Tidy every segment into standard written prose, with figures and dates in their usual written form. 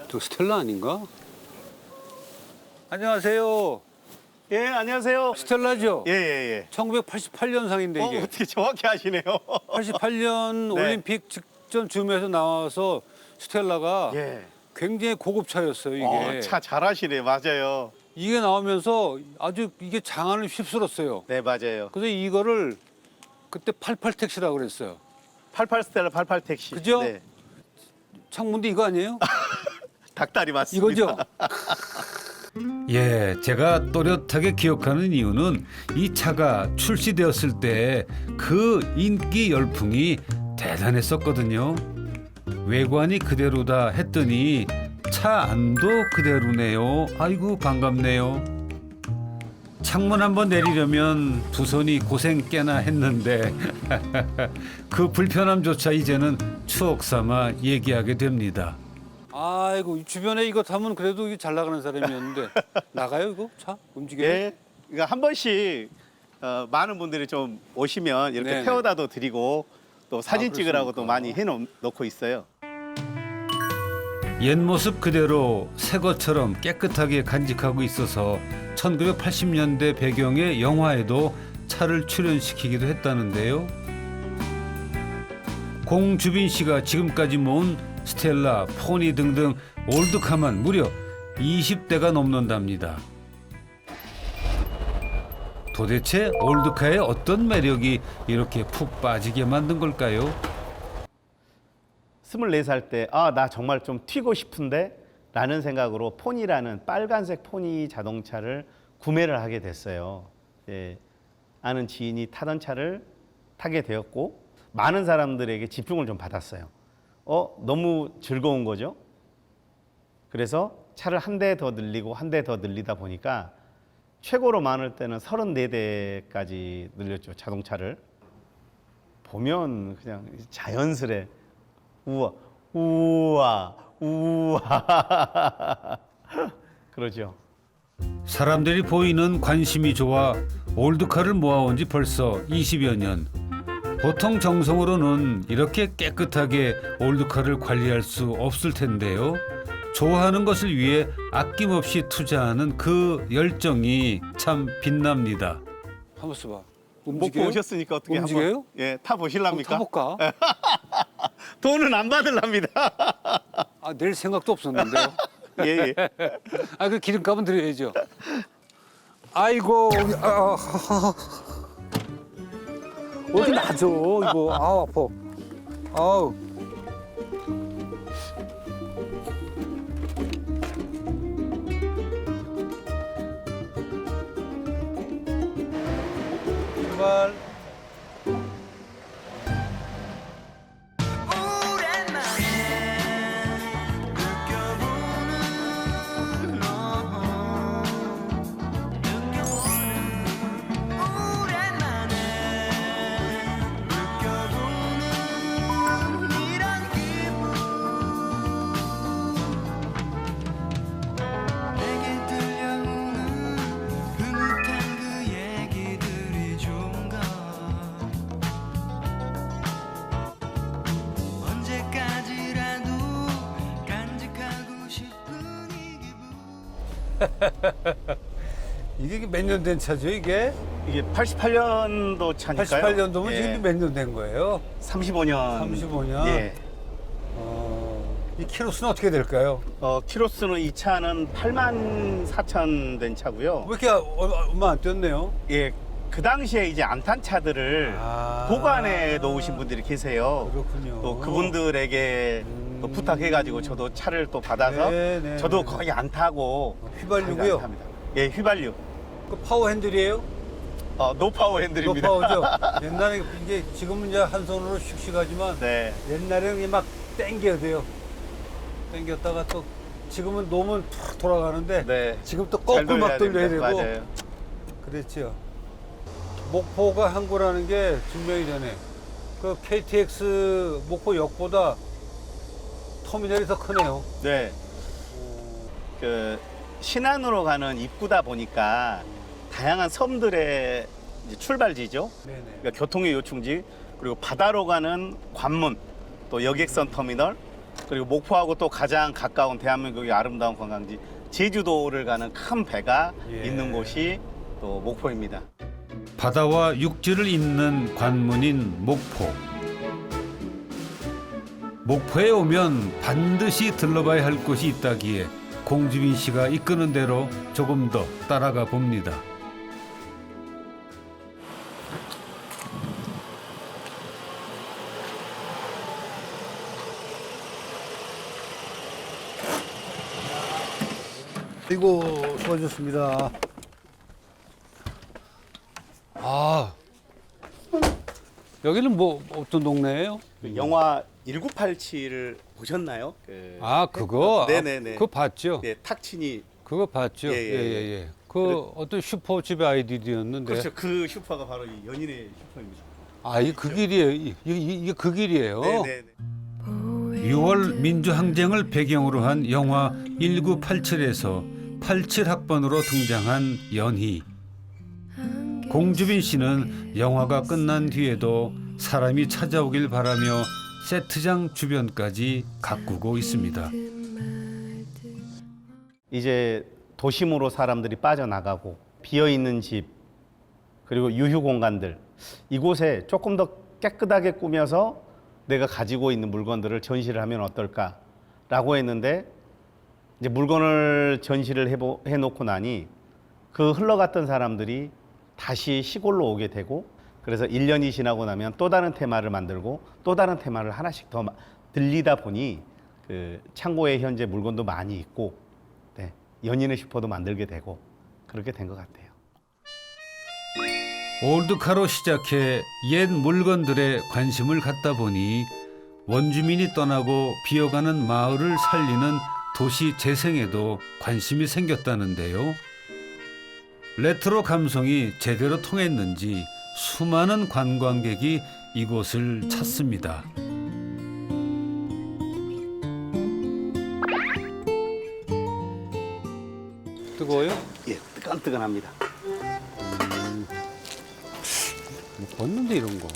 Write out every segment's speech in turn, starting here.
저 스텔라 아닌가? 안녕하세요. 예, 안녕하세요. 스텔라죠? 예, 예, 예. 1988년상인데 이게. 어떻게 정확히 하시네요. 88년 네. 올림픽 직전 즈음에서 나와서 스텔라가 예. 굉장히 고급차였어요, 이게. 차 잘하시네, 맞아요. 이게 나오면서 아주 이게 장안을 휩쓸었어요. 네, 맞아요. 그래서 이거를 그때 88 택시라고 그랬어요. 88 스텔라 88 택시. 그죠? 네. 창문도 이거 아니에요? 닭다리 맞습니다. 이거죠? 예, 제가 또렷하게 기억하는 이유는 이 차가 출시되었을 때 그 인기 열풍이 대단했었거든요. 외관이 그대로다 했더니 차 안도 그대로네요. 아이고 반갑네요. 창문 한번 내리려면 두 손이 고생 꽤나 했는데 그 불편함조차 이제는 추억 삼아 얘기하게 됩니다. 아이고 이 주변에 이거 타면 그래도 이게 잘 나가는 사람이었는데 나가요 이거 차 움직여요? 예. 그러니까 한 번씩 많은 분들이 좀 오시면 이렇게 네네. 태워다도 드리고 또 사진 찍으라고 또 그렇습니까? 많이 해놓고 있어요. 옛 모습 그대로 새 것처럼 깨끗하게 간직하고 있어서 1980년대 배경의 영화에도 차를 출연시키기도 했다는데요. 공주빈 씨가 지금까지 모은 스텔라, 포니 등등 올드카만 무려 20대가 넘는답니다. 도대체 올드카의 어떤 매력이 이렇게 푹 빠지게 만든 걸까요? 24살 때 나 정말 좀 튀고 싶은데 라는 생각으로 포니라는 빨간색 포니 자동차를 구매를 하게 됐어요. 예, 아는 지인이 타던 차를 타게 되었고 많은 사람들에게 집중을 좀 받았어요. 너무 즐거운 거죠. 그래서 차를 한 대 더 늘리고 한 대 더 늘리다 보니까 최고로 많을 때는 34대까지 늘렸죠, 자동차를. 보면 그냥 자연스레 우와, 우와, 우와. 그러죠. 사람들이 보이는 관심이 좋아 올드카를 모아온 지 벌써 20여 년. 보통 정성으로는 이렇게 깨끗하게 올드카를 관리할 수 없을 텐데요. 좋아하는 것을 위해 아낌없이 투자하는 그 열정이 참 빛납니다. 한번 써봐. 못 움직여요? 보셨으니까 어떻게 움직여요? 한번 예, 타 보실랍니까? 타볼까? 돈은 안 받을랍니다. 아, 낼 생각도 없었는데요. 예, 예. 아, 그 기름값은 드려야죠. 아이고, 어디 놔줘 이거. 아우 아파. 아우. 출발. 내게 들려오는 흐뭇한 그 얘기들이 좋은가 언제까지라도 간직하고 싶은 이 기분 이게 몇 년 된 차죠 이게? 이게 88년도 차니까요. 88년도면 예. 지금 몇 년 된 거예요? 35년. 35년? 예. 이 키로수는 어떻게 될까요? 키로수는 이 차는 8만 4천 된 차고요. 왜 이렇게 얼마 안 뛰었네요? 예. 그 당시에 이제 안 탄 차들을 아. 보관해 놓으신 분들이 계세요. 그렇군요. 또 그분들에게 또 부탁해가지고 저도 차를 또 받아서 네, 네, 저도 네. 거의 안 타고 휘발유고요? 거의 안 탑니다. 예, 휘발유. 그 파워 핸들이에요? 노파워 핸들입니다. 노파워죠. 옛날에 이게 지금은 이제 한 손으로 씩씩하지만 네. 옛날에는 그냥 막 당겨야 돼요. 당겼다가 또 지금은 놓으면 툭 돌아가는데 네. 지금 또 잘 거꾸로 막 돌려야 됩니다. 되고 맞아요. 그랬죠. 목포가 항구라는 게 증명이 되네. 그 KTX 목포역보다 터미널이 더 크네요. 네. 그 신안으로 가는 입구다 보니까 다양한 섬들의 이제 출발지죠. 네네. 그러니까 교통의 요충지, 그리고 바다로 가는 관문, 또 여객선 터미널, 그리고 목포하고 또 가장 가까운 대한민국의 아름다운 관광지 제주도를 가는 큰 배가 예. 있는 곳이 또 목포입니다. 바다와 육지를 잇는 관문인 목포. 목포에 오면 반드시 들러봐야 할 곳이 있다기에 공주빈 씨가 이끄는 대로 조금 더 따라가 봅니다. 아이고, 수고하셨습니다. 아, 여기는 뭐 어떤 동네예요? 영화 1987을 보셨나요? 아, 그거? 네네네. 그거 봤죠? 네, 탁친이 그거 봤죠? 예, 예, 예. 그 어떤 슈퍼집의 아이디어였는데. 그렇죠. 그 슈퍼가 바로 이 연인의 슈퍼입니다. 아, 이게 그 길이에요. 이게 그 길이에요. 네네. 6월 민주항쟁을 배경으로 한 영화 1987에서 87학번으로 등장한 연희. 공주빈 씨는 영화가 끝난 뒤에도 사람이 찾아오길 바라며 세트장 주변까지 가꾸고 있습니다. 이제 도심으로 사람들이 빠져나가고 비어있는 집 그리고 유휴 공간들 이곳에 조금 더 깨끗하게 꾸며서 내가 가지고 있는 물건들을 전시를 하면 어떨까라고 했는데 이제 물건을 전시를 해놓고 나니 그 흘러갔던 사람들이 다시 시골로 오게 되고 그래서 1년이 지나고 나면 또 다른 테마를 만들고 또 다른 테마를 하나씩 더 들리다 보니 그 창고에 현재 물건도 많이 있고 네, 연인의 슈퍼도 만들게 되고 그렇게 된 것 같아요. 올드카로 시작해 옛 물건들에 관심을 갖다 보니 원주민이 떠나고 비어가는 마을을 살리는 도시 재생에도 관심이 생겼다는데요. 레트로 감성이 제대로 통했는지 수많은 관광객이 이곳을 찾습니다. 뜨거워요? 예, 뜨끈뜨끈합니다. 못 봤는데 이런 거.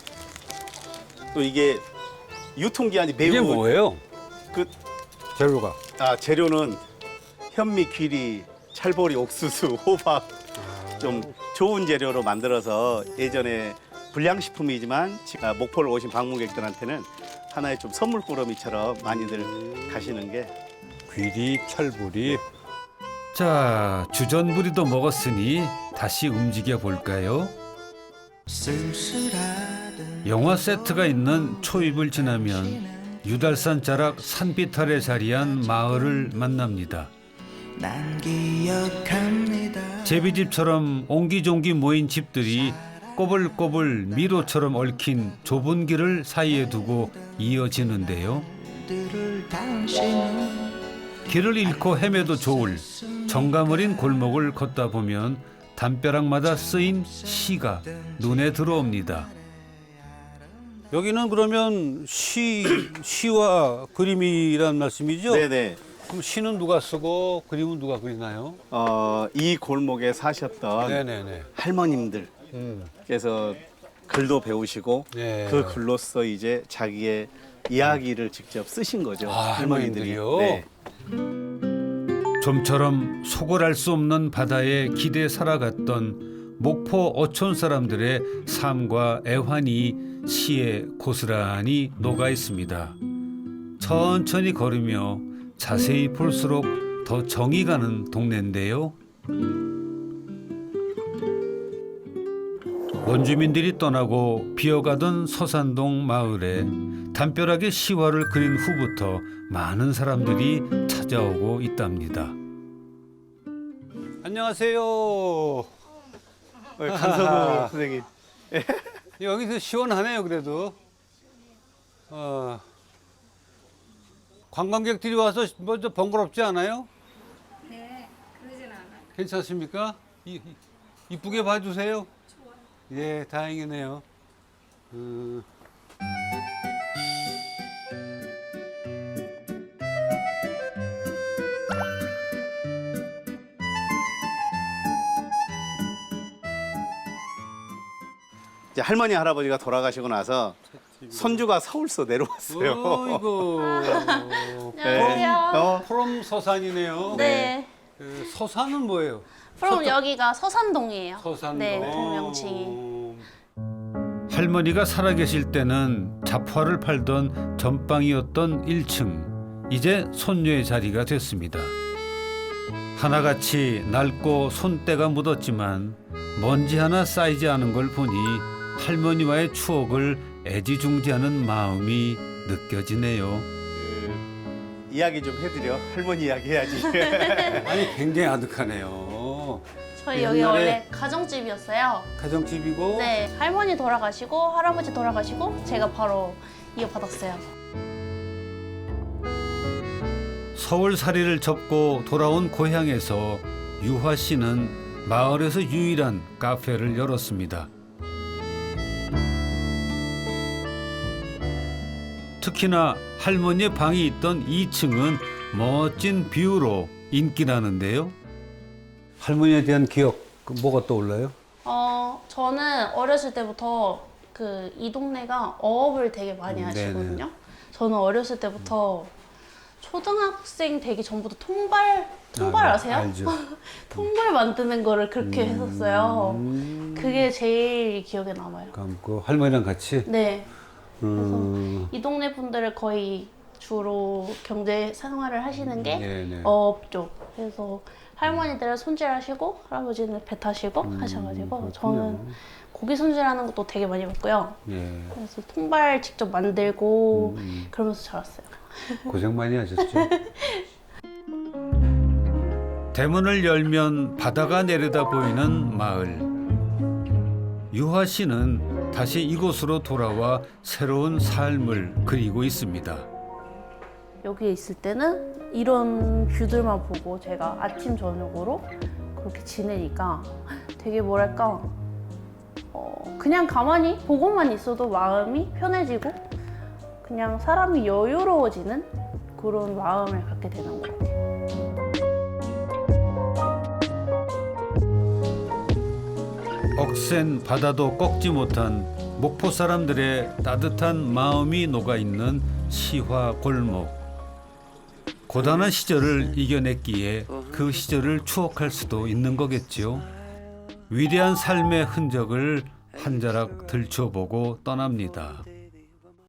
또 이게 유통기한이 매우 이게 뭐예요? 그 재료가. 재료는 현미, 귀리, 찰보리, 옥수수, 호박 좀 좋은 재료로 만들어서 예전에 불량식품이지만 목포를 오신 방문객들한테는 하나의 좀 선물꾸러미처럼 많이들 가시는 게 귀리, 철부리. 자, 주전부리도 먹었으니 다시 움직여 볼까요? 쓸쓸하던 영화 세트가 있는 초입을 지나면 유달산 자락 산빛 아래 자리한 마을을 만납니다. 난 기억합니다. 제비집처럼 옹기종기 모인 집들이 꼬불꼬불 미로처럼 얽힌 좁은 길을 사이에 두고 이어지는데요. 들을 당신은 길을 잃고 헤매도 좋을 정감 어린 골목을 걷다 보면 담벼락마다 쓰인 시가 눈에 들어옵니다. 여기는 그러면 시와 그림이란 말씀이죠? 네네. 그럼 시는 누가 쓰고 그림은 누가 그리나요? 이 골목에 사셨던 네네네. 할머님들께서 글도 배우시고 네. 그 글로써 이제 자기의 이야기를 직접 쓰신 거죠. 아, 할머님들이요? 네. 좀처럼 속을 알 수 없는 바다에 기대 살아갔던 목포 어촌 사람들의 삶과 애환이 시에 고스란히 녹아 있습니다. 천천히 걸으며 자세히 볼수록 더 정이 가는 동네인데요. 원주민들이 떠나고 비어가던 서산동 마을에 담벼락에 시화를 그린 후부터 많은 사람들이 찾아오고 있답니다. 안녕하세요. 강서구 선생님. 여기서 시원하네요, 그래도. 관광객들이 와서 먼저 번거롭지 않아요? 네, 그러진 않아요. 괜찮습니까? 이쁘게 봐주세요. 예, 다행이네요. 이제 할머니 할아버지가 돌아가시고 나서 손주가 서울서 내려왔어요. 어이구. 안녕하세요. 프롬 서산이네요. 네. 그 서산은 뭐예요? 그럼 여기가 서산동이에요. 서산동. 네, 동명칭이. 할머니가 살아계실 때는 잡화를 팔던 전방이었던 1층. 이제 손녀의 자리가 됐습니다. 하나같이 낡고 손때가 묻었지만 먼지 하나 쌓이지 않은 걸 보니 할머니와의 추억을 애지중지하는 마음이 느껴지네요. 이야기 좀 해드려. 할머니 이야기 해야지. 아니 굉장히 아득하네요. 저희 여기 옛날에 원래 가정집이었어요. 가정집이고 네, 할머니 돌아가시고 할아버지 돌아가시고 제가 바로 이어받았어요. 서울살이를 접고 돌아온 고향에서 유화 씨는 마을에서 유일한 카페를 열었습니다. 특히나 할머니의 방이 있던 2층은 멋진 뷰로 인기라는데요. 할머니에 대한 기억 그 뭐가 떠올라요? 저는 어렸을 때부터 이 동네가 어업을 되게 많이 하시거든요. 저는 어렸을 때부터 초등학생 되기 전부터 통발 아세요? 알죠. 통발 만드는 거를 그렇게 했었어요. 그게 제일 기억에 남아요. 그럼 그 할머니랑 같이. 네. 그래서 이 동네 분들을 거의 주로 경제 생활을 하시는 게 네네. 어업 쪽. 그래서 할머니들은 손질하시고 할아버지는 배 타시고 하셔가지고 그렇군요. 저는 고기 손질하는 것도 되게 많이 봤고요. 예. 그래서 통발 직접 만들고 그러면서 자랐어요. 고생 많이 하셨죠. 대문을 열면 바다가 내려다 보이는 마을. 유화 씨는 다시 이곳으로 돌아와 새로운 삶을 그리고 있습니다. 여기에 있을 때는 이런 뷰들만 보고 제가 아침 저녁으로 그렇게 지내니까 되게 뭐랄까 그냥 가만히 보고만 있어도 마음이 편해지고 그냥 사람이 여유로워지는 그런 마음을 갖게 되는 것 같아요. 억센 바다도 꺾지 못한 목포 사람들의 따뜻한 마음이 녹아있는 시화 골목. 고단한 시절을 이겨냈기에 그 시절을 추억할 수도 있는 거겠지요. 위대한 삶의 흔적을 한 자락 들춰보고 떠납니다.